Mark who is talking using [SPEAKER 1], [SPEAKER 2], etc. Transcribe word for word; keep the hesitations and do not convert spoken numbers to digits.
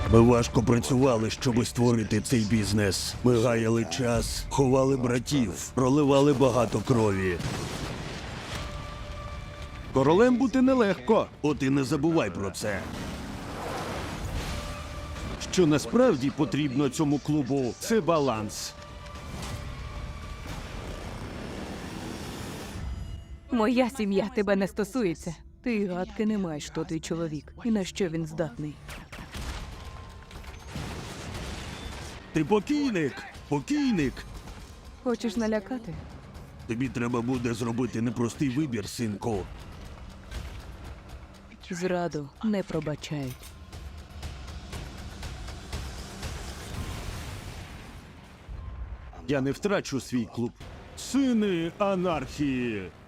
[SPEAKER 1] Ми важко працювали, щоб створити цей бізнес. Ми гаяли час, ховали братів, проливали багато крові.
[SPEAKER 2] Королем бути нелегко.
[SPEAKER 1] От і не забувай про це.
[SPEAKER 2] Що насправді потрібно цьому клубу – це баланс.
[SPEAKER 3] Моя сім'я тебе не стосується. Ти й гадки не маєш, хто твій чоловік і на що він здатний.
[SPEAKER 1] Ти покійник! Покійник!
[SPEAKER 3] Хочеш налякати?
[SPEAKER 1] Тобі треба буде зробити непростий вибір, синку.
[SPEAKER 3] Зраду не пробачають.
[SPEAKER 2] Я не втрачу свій клуб. Сини анархії.